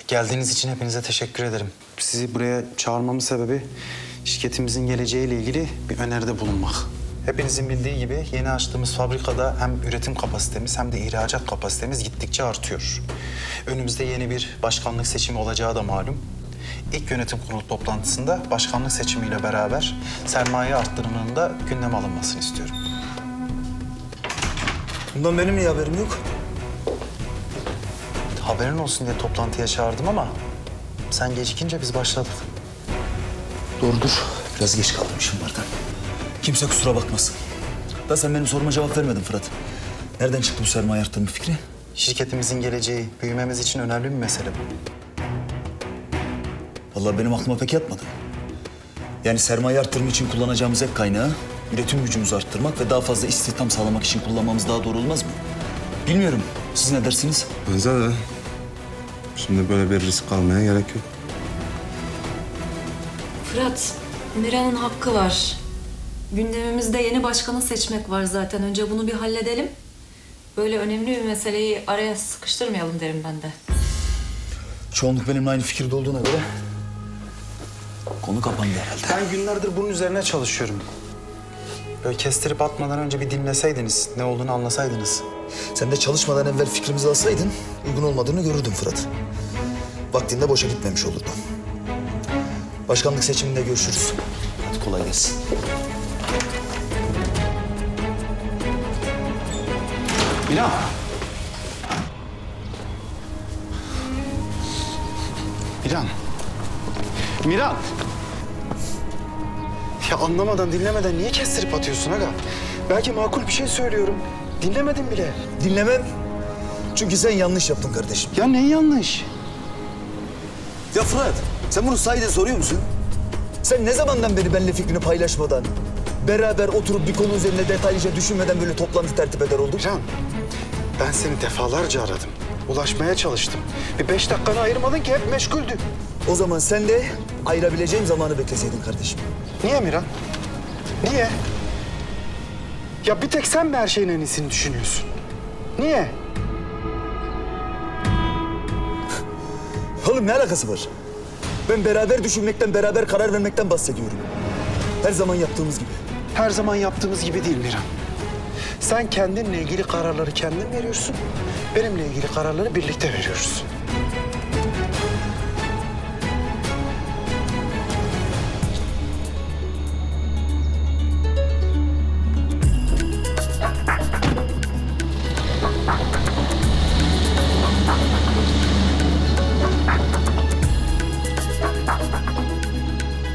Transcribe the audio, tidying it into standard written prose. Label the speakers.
Speaker 1: Geldiğiniz için hepinize teşekkür ederim. Sizi buraya çağırmamın sebebi şirketimizin geleceğiyle ilgili bir öneride bulunmak. Hepinizin bildiği gibi yeni açtığımız fabrikada hem üretim kapasitemiz hem de ihracat kapasitemiz gittikçe artıyor. Önümüzde yeni bir başkanlık seçimi olacağı da malum. İlk yönetim kurulu toplantısında başkanlık seçimiyle beraber sermaye arttırımının da gündeme alınmasını istiyorum.
Speaker 2: Bundan benim niye haberim yok?
Speaker 1: Haberin olsun diye toplantıya çağırdım ama sen gecikince biz başladık.
Speaker 2: Doğrudur. Biraz geç kaldım işim vardı. Kimse kusura bakmasın. Da sen benim soruma cevap vermedin Fırat. Nereden çıktı bu sermaye arttırma fikri?
Speaker 1: Şirketimizin geleceği, büyümemiz için önemli bir mesele bu.
Speaker 2: Vallahi benim aklıma pek yatmadı. Yani sermaye arttırma için kullanacağımız ek kaynağı üretim gücümüzü arttırmak ve daha fazla istihdam sağlamak için kullanmamız daha doğru olmaz mı? Bilmiyorum. Siz ne dersiniz?
Speaker 3: Bence de. Şimdi böyle bir risk almaya gerek yok.
Speaker 4: Fırat, Miran'ın hakkı var. Gündemimizde yeni başkanı seçmek var zaten. Önce bunu bir halledelim. Böyle önemli bir meseleyi araya sıkıştırmayalım derim ben de.
Speaker 2: Çoğunluk benimle aynı fikirde olduğuna göre konu kapandı herhalde.
Speaker 1: Ben günlerdir bunun üzerine çalışıyorum. Böyle kestirip atmadan önce bir dinleseydiniz, ne olduğunu anlasaydınız.
Speaker 2: Sen de çalışmadan evvel fikrimizi alsaydın uygun olmadığını görürdün Fırat. Vaktinde boşa gitmemiş olurdu. Başkanlık seçiminde görüşürüz. Hadi kolay gelsin.
Speaker 1: Miran. Miran. Miran. Ya anlamadan, dinlemeden niye kestirip atıyorsun aga? Belki makul bir şey söylüyorum. Dinlemedin bile.
Speaker 2: Dinlemem. Çünkü sen yanlış yaptın kardeşim.
Speaker 1: Ya ne yanlış?
Speaker 2: Ya Fırat, sen bunu sahiden soruyor musun? Sen ne zamandan beri benimle fikrini paylaşmadan, beraber oturup bir konu üzerine detaylıca düşünmeden böyle toplantı tertip eder olduk?
Speaker 1: Miran, ben seni defalarca aradım. Ulaşmaya çalıştım. Bir 5 dakikanı ayırmadın ki, hep meşguldü.
Speaker 2: O zaman sen de ayırabileceğim zamanı bekleseydin kardeşim.
Speaker 1: Niye Miran? Niye? Ya bir tek sen mi her şeyin en iyisini düşünüyorsun? Niye?
Speaker 2: Oğlum ne alakası var? Ben beraber düşünmekten, beraber karar vermekten bahsediyorum. Her zaman yaptığımız gibi.
Speaker 1: Her zaman yaptığımız gibi değil Miran. Sen kendinle ilgili kararları kendin veriyorsun. Benimle ilgili kararları birlikte veriyoruz.